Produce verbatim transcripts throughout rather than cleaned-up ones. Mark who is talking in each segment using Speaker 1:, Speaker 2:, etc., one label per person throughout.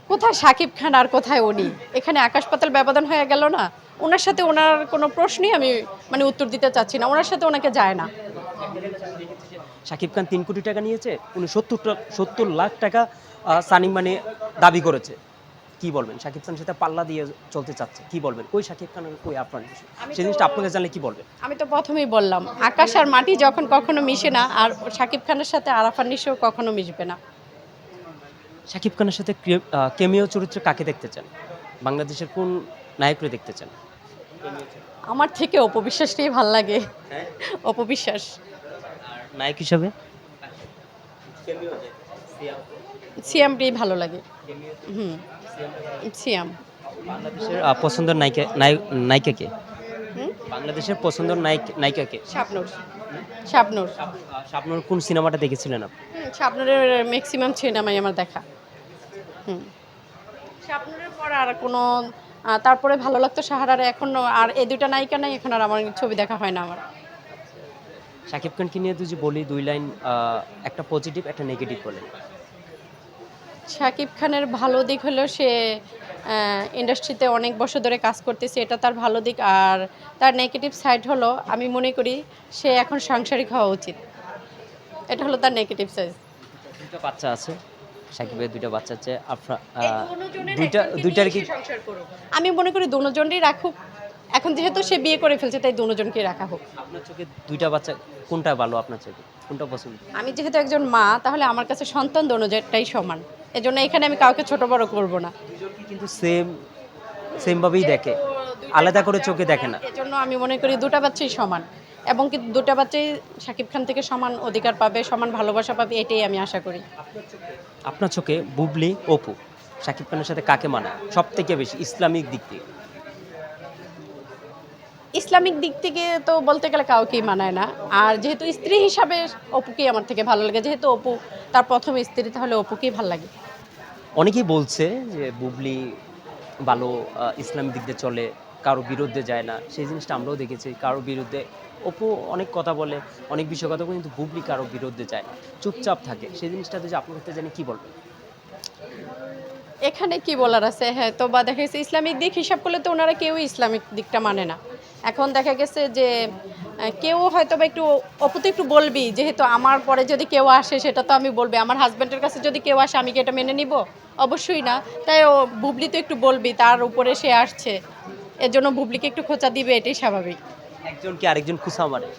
Speaker 1: কোথায় শাকিব খান আর কোথায় উনি, এখানে আকাশ পাতাল ব্যবধান হয়ে গেল না। ওনার সাথে ওনার কোনো প্রশ্নই আমি মানে উত্তর দিতে চাচ্ছি না, ওনার সাথে ওনাকে যায় না।
Speaker 2: শাকিব খান তিন কোটি টাকা নিয়েছে, উনি সত্তর সত্তর লাখ টাকা আহ, সানি মানে দাবি করেছে। কি বলবেন? শাকিব খানের সাথে পাল্লা দিয়ে চলতে চাচ্ছে, কি বলবেন? কই শাকিব খান আর কই আফরান নিশো?
Speaker 1: আমি
Speaker 2: সেই
Speaker 1: তো-
Speaker 2: জিনিসটা আপনাকে জানলে কি বলবেন?
Speaker 1: আমি তো প্রথমেই বললাম, আকাশ আর মাটি যখন কখনো মিশে না, আর শাকিব খানের সাথে আরাফান নিশো কখনো মিশবে না।
Speaker 2: শাকিব খানের সাথে কেমিও চরিত্রে কাকে দেখতে চান? বাংলাদেশের কোন নায়করে দেখতে চান?
Speaker 1: আমার থেকে অপবিশ্বাসটাই ভাল লাগে। অপবিশ্বাস।
Speaker 2: নায়ক হিসাবে
Speaker 1: সিয়ামটাই ভালো লাগে। হুম, সিয়াম।
Speaker 2: বাংলাদেশের আহ, পছন্দের নায়িকা নায়ক নায়িকা কে?
Speaker 1: হুম,
Speaker 2: বাংলাদেশের পছন্দের নায়ক নায়িকা কে?
Speaker 1: শাবনূর। শাবনূর।
Speaker 2: আপনার কোন সিনেমাটা দেখেছিলেন আপনি?
Speaker 1: হুম, শাবনূরের ম্যাক্সিমাম সিনেমাই আমার দেখা। হুম, শাবনূরের পর আর কোনো আহ, তারপরে ভালো লাগতো সাহারারে, এখন আর এই দুইটা নায়িকা নাই, এখন আর আমার ছবি দেখা হয় না আমার।
Speaker 2: শাকিব খানকে নিয়ে যদি বলি দুই লাইন, আহ, একটা পজিটিভ একটা নেগেটিভ বলেন।
Speaker 1: শাকিব খানের ভালো দিক হলো সে ইন্ডাস্ট্রিতে অনেক বছর ধরে কাজ করতেছে, এটা তার ভালো দিক। আর তার নেগেটিভ সাইড হলো, আমি মনে করি সে এখন সাংসারিক হওয়া উচিত। এটা হলো তার নেগেটিভ সাইড।
Speaker 2: দুইটা বাচ্চা আছে, শাকিবের দুইটা বাচ্চা আছে, আফরা আহ, দুইটা দুইটার কি?
Speaker 1: আমি মনে করি দুজনকেই রাখুক। এখন যেহেতু সে বিয়ে করে ফেলছে, তাই দুজনকেই রাখা হোক।
Speaker 2: আপনার চোখে দুইটা বাচ্চা কোনটা ভালো? আপনার চোখে কোনটা পছন্দ?
Speaker 1: আমি যেহেতু একজন মা, তাহলে আমার কাছে সন্তান দুজনটাই সমান। এজন্য এখানে আমি কাউকে ছোট বড় করব না।
Speaker 2: দুজনকে কিন্তু সেম সেম ভাবেই দেখে, আলাদা করে চোখে দেখে না।
Speaker 1: এজন্য আমি মনে করি দুটা বাচ্চাই সমান, এবং কি দুটা বাচ্চাই শাকিব খান থেকে সমান অধিকার পাবে, সমান ভালোবাসা পাবে, এটাই আমি আশা করি।
Speaker 2: আপনার চোখে বুবলি অপু শাকিব খানের সাথে কাকে মানায় সব থেকে বেশি ইসলামিক দিক দিয়ে?
Speaker 1: ইসলামিক দিক থেকে তো বলতে গেলে কাউকেই মানায় না। আর যেহেতু স্ত্রী হিসাবে অপুকেই আমার থেকে ভালো লাগে, যেহেতু অপু তার প্রথম স্ত্রী, তাহলে অপুকেই ভালো লাগে।
Speaker 2: অনেকেই বলছে যে বুবলি ভালো, আহ, ইসলামিক দিক দিয়ে চলে, কারো বিরুদ্ধে যায় না। সেই জিনিসটা আমরাও দেখেছি, কারো বিরুদ্ধে অপু অনেক কথা বলে, অনেক বিষয় কথা বলে, কিন্তু বুবলি কারো বিরুদ্ধে যায় না, চুপচাপ থাকে। সেই জিনিসটা যদি আপনার কাছে জানি কি বলবেন?
Speaker 1: এখানে কি বলার আছে? হ্যাঁ, তো বা দেখা গেছে ইসলামিক দিক হিসাব করলে তো ওনারা কেউই ইসলামিক দিকটা মানে না। এখন দেখা গেছে যে আহ, কেউ হয়তো বা একটু অপু তো একটু বলবি, যেহেতু আমার পরে যদি কেউ আসে সেটা তো আমি বলবি। আমার হাজব্যান্ডের কাছে যদি কেউ আসে, আমি কি এটা মেনে নিব? অবশ্যই না। তাই ও বুবলি তো একটু বলবি, তার উপরে সে আসছে, এর জন্য বুবলিকে একটু খোঁচা দিবে, এটাই স্বাভাবিক।
Speaker 2: একজন কি আরেকজন খুশা মারে?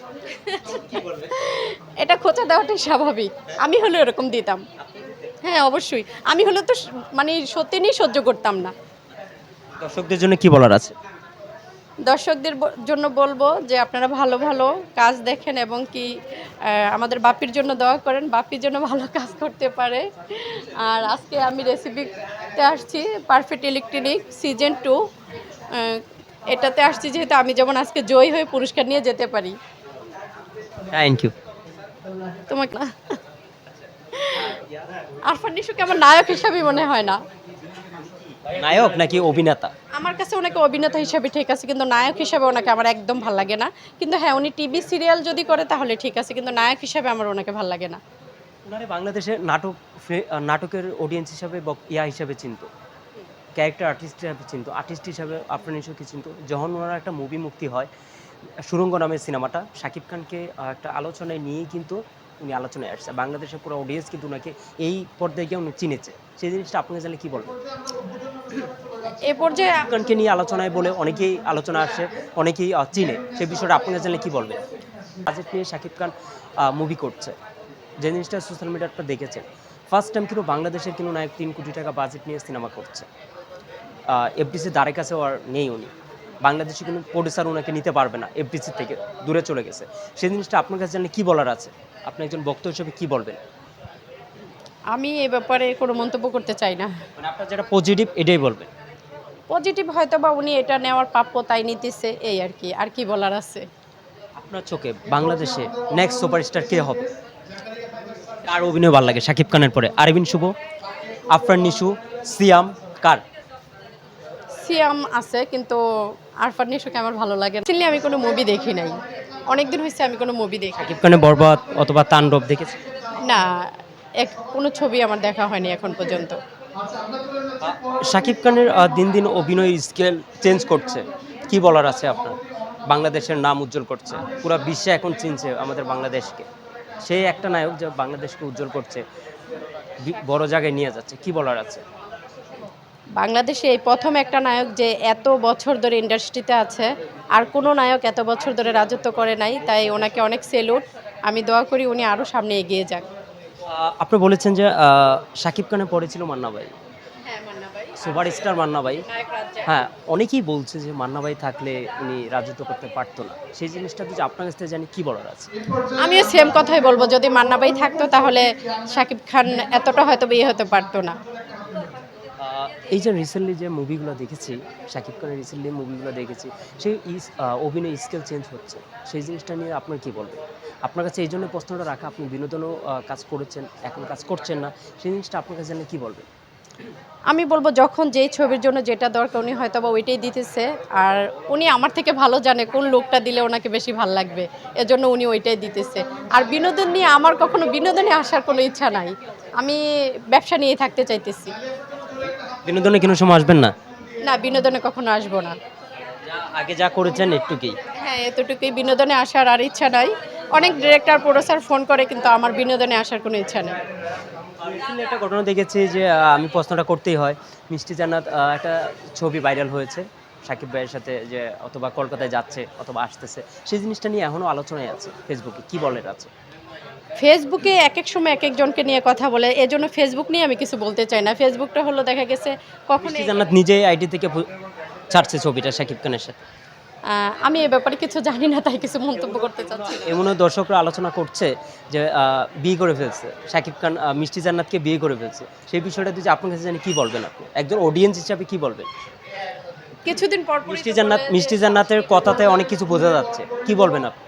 Speaker 1: এটা খোঁচা দেওয়াটাই স্বাভাবিক। আমি হলে এরকম দিতাম। হ্যাঁ, অবশ্যই। আমি হলে তো স- মানে সত্যি নিয়ে সহ্য করতাম না।
Speaker 2: দর্শকদের জন্য কি বলার আছে?
Speaker 1: দর্শকদের ব- জন্য বলবো যে আপনারা ভালো ভালো কাজ দেখেন, এবং কি আহ, আমাদের বাপির জন্য দোয়া করেন, বাপির জন্য ভালো কাজ করতে পারে। আর আজকে আমি রেসিপিতে আসছি পারফেক্ট ইলেকট্রনিক সিজন টু, এটাতে আসছি যেহেতু আমি যেমন আজকে জয়ী হয়ে পুরস্কার নিয়ে যেতে পারি।
Speaker 2: Thank you.
Speaker 1: তোমাকে না, আরফান নিশোকে আমার নায়ক হিসাবে মনে হয় না।
Speaker 2: নায়ক নাকি অভিনেতা?
Speaker 1: আমার কাছে ওনাকে অভিনেতা হিসাবে ঠিক আছে, কিন্তু নায়ক হিসাবে ওনাকে আমার একদম ভাল লাগে না। কিন্তু হ্যাঁ, উনি টিভি সিরিয়াল যদি করে তাহলে ঠিক আছে, কিন্তু নায়ক হিসাবে আমার ওনাকে ভাল লাগে না।
Speaker 2: ওনারে বাংলাদেশে নাটক ফে- আহ, নাটকের অডিয়েন্স হিসাবে বক- ইয়া হিসাবে চিনতো, ক্যারেক্টার আর্টিস্ট হিসাবে চিনতো, আর্টিস্ট হিসাবে আফরান নিশোকে চিনতো। যখন ওনার একটা মুভি মুক্তি হয়, সুড়ঙ্গ নামের সিনেমাটা, শাকিব খানকে আহ, একটা আলোচনায় নিয়েই কিন্তু উনি আলোচনায় আসছে। বাংলাদেশের পুরো অডিয়েন্স কিন্তু ওনাকে এই পর্যায়ে গিয়ে উনি চিনেছে। সেই জিনিসটা আপনাকে জানলে কি বলবেন?
Speaker 1: এ পর্যায়ে
Speaker 2: শাকিব খানকে নিয়ে আলোচনায় বলে অনেকেই আলোচনা আসে, অনেকেই আহ, চিনে। সেই বিষয়টা আপনাকে জানলে কি বলবেন? বাজেট নিয়ে শাকিব খান মুভি করছে, যে জিনিসটা সোশ্যাল মিডিয়াটা দেখেছেন, ফার্স্ট টাইম কিন্তু বাংলাদেশের কিন্তু নায়ক তিন কোটি টাকা বাজেট নিয়ে সিনেমা করছে। এফডিসির দ্বারে কাছেও আর নেই উনি, বাংলাদেশে কোনো প্রডিউসার ওনাকে নিতে পারবে না, এফডিসি থেকে দূরে চলে গেছে। সেই জিনিসটা আপনার কাছে জানলে কি বলার আছে? আপনি একজন বক্তা হিসেবে কি বলবেন?
Speaker 1: আমি এ ব্যাপারে কোনো মন্তব্য করতে চাই না।
Speaker 2: মানে আপনার যেটা পজিটিভ এটাই বলবেন।
Speaker 1: পজিটিভ হয়তো বা উনি এটা নেওয়ার প্রাপ্য, তাই নিতেছে, এই আর কি। আর কি বলার আছে?
Speaker 2: আপনার চোখে বাংলাদেশে নেক্সট সুপারস্টার কে হবে? কার অভিনয় ভালো লাগে শাকিব খানের পরে? আরবিন শুভ, আফরান নিশু, সিয়াম, কার?
Speaker 1: সিয়াম আছে, কিন্তু আরফান নিশোকে আমার ভালো লাগে না। Actually আমি কোনো মুভি দেখি নাই, অনেকদিন হয়েছে আমি কোনো মুভি দেখি।
Speaker 2: শাকিব খানের বরবাদ অথবা তাণ্ডব দেখেছে?
Speaker 1: না, এক কোনো ছবি আমার দেখা হয়নি এখন পর্যন্ত।
Speaker 2: শাকিব খানের আহ, দিন দিন অভিনয় স্কেল চেঞ্জ করছে, কি বলার আছে আপনার? বাংলাদেশের নাম উজ্জ্বল করছে, পুরো বিশ্বে এখন চিনছে আমাদের বাংলাদেশকে। সে একটা নায়ক যে বাংলাদেশকে উজ্জ্বল করছে, বি- বড় জায়গায় নিয়ে যাচ্ছে, কি বলার আছে?
Speaker 1: বাংলাদেশে এই প্রথম একটা নায়ক যে এত বছর ধরে ইন্ডাস্ট্রিতে আছে, আর কোনো নায়ক এত বছর ধরে রাজত্ব করে নাই, তাই ওনাকে অনেক সেলুট। আমি দোয়া করি উনি আরও সামনে এগিয়ে যাক।
Speaker 2: আহ, আপনি বলেছেন যে আহ, শাকিব খানের পরে ছিল মান্না ভাই,
Speaker 1: হ্যাঁ, মান্না ভাই,
Speaker 2: সুপার স্টার মান্না ভাই।
Speaker 1: নায়ক রাজ্জাক।
Speaker 2: হ্যাঁ, অনেকেই বলছে যে মান্না ভাই থাকলে উনি রাজত্ব করতে পারতো না। সেই জিনিসটা যদি আপনার কাছ থেকে জানি, কি বলার আছে?
Speaker 1: আমিও সেম কথাই বলবো, যদি মান্না ভাই থাকতো তাহলে শাকিব খান এতটা হয়তো বিয়ে হতে পারতো না।
Speaker 2: আহ, এই যে রিসেন্টলি যে মুভিগুলো দেখেছি, শাকিব খানের রিসেন্টলি মুভিগুলো দেখেছি, সেই ইস আহ, অভিনয় স্কেল চেঞ্জ হচ্ছে, সেই জিনিসটা নিয়ে আপনার কি বলবেন? আপনার কাছে এই জন্য প্রশ্নটা রাখা, আপনি বিনোদনও আহ, কাজ করেছেন, এখন কাজ করছেন না, সেই জিনিসটা আপনার কাছে জানলে কি বলবেন?
Speaker 1: আমি বলবো যখন যেই ছবির জন্য যেটা দরকার উনি হয়তো বা ওইটাই দিতেছে, আর উনি আমার থেকে ভালো জানে কোন লোকটা দিলে ওনাকে বেশি ভালো লাগবে, এজন্য উনি ওইটাই দিতেছে। আর বিনোদন নিয়ে আমার কখনো বিনোদনে আসার কোনো ইচ্ছা নাই, আমি ব্যবসা নিয়ে থাকতে চাইতেছি।
Speaker 2: বিনোদনে কোনো সময় আসবেন না?
Speaker 1: না, বিনোদনে কখনো আসবো না।
Speaker 2: যা আগে যা করেছেন একটুকুই।
Speaker 1: হ্যাঁ, এতটুকুই, বিনোদনে আসার আর ইচ্ছা নাই। অনেক ডিরেক্টর প্রোডিউসার ফোন করে, কিন্তু আমার বিনোদনে আসার কোনো ইচ্ছা নেই।
Speaker 2: রিসেন্টলি একটা ঘটনা দেখেছি যে আহ, আমি প্রশ্নটা করতেই হয়, মিষ্টি জান্নাত আহ, একটা ছবি ভাইরাল হয়েছে সাকিব ভাইয়ের সাথে, যে অথবা কলকাতায় যাচ্ছে অথবা আসতেছে, সেই জিনিসটা নিয়ে এখনও আলোচনায় আছে ফেসবুকে, কি বলের আছে?
Speaker 1: ফেসবুকে এক এক সময় এক একজনকে নিয়ে কথা বলে, এজন্য ফেসবুক নিয়ে আমি কিছু বলতে চাই না। ফেসবুকটা হলো দেখা গেছে কখন
Speaker 2: মিষ্টি জান্নাত নিজেই আইডি থেকে পু- ছাড়ছে ছবিটা সাকিব খানের সাথে।
Speaker 1: আমি এ ব্যাপারে কিছু জানি না, তাই কিছু মন্তব্য করতে চাচ্ছি না।
Speaker 2: এমনও দর্শকরা আলোচনা করছে যে আহ, বিয়ে করে ফেলছে সাকিব খান, আহ, মিষ্টি জান্নাতকে বিয়ে করে ফেলছে, সেই বিষয়টা যদি আপনার কাছে জানি, কি বলবেন আপনি একজন অডিয়েন্স হিসাবে, কি বলবেন?
Speaker 1: কিছুদিন পর পরই
Speaker 2: মিষ্টি
Speaker 1: তো
Speaker 2: জান্নাত
Speaker 1: বলে যে-
Speaker 2: মিষ্টি জান্নাতের কথাতে অনেক কিছু বোঝা যাচ্ছে, কি বলবেন আপনি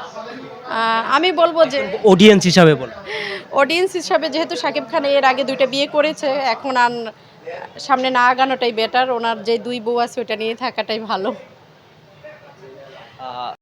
Speaker 1: আহ, আমি বলবো যে
Speaker 2: অডিয়েন্স হিসাবে? বলেন।
Speaker 1: অডিয়েন্স হিসাবে যেহেতু শাকিব খান এর আগে দুইটা বিয়ে করেছে, এখন আর সামনে না আগানোটাই বেটার। ওনার যে দুই বউ আছে ওটা নিয়ে থাকাটাই ভালো।
Speaker 2: আহ,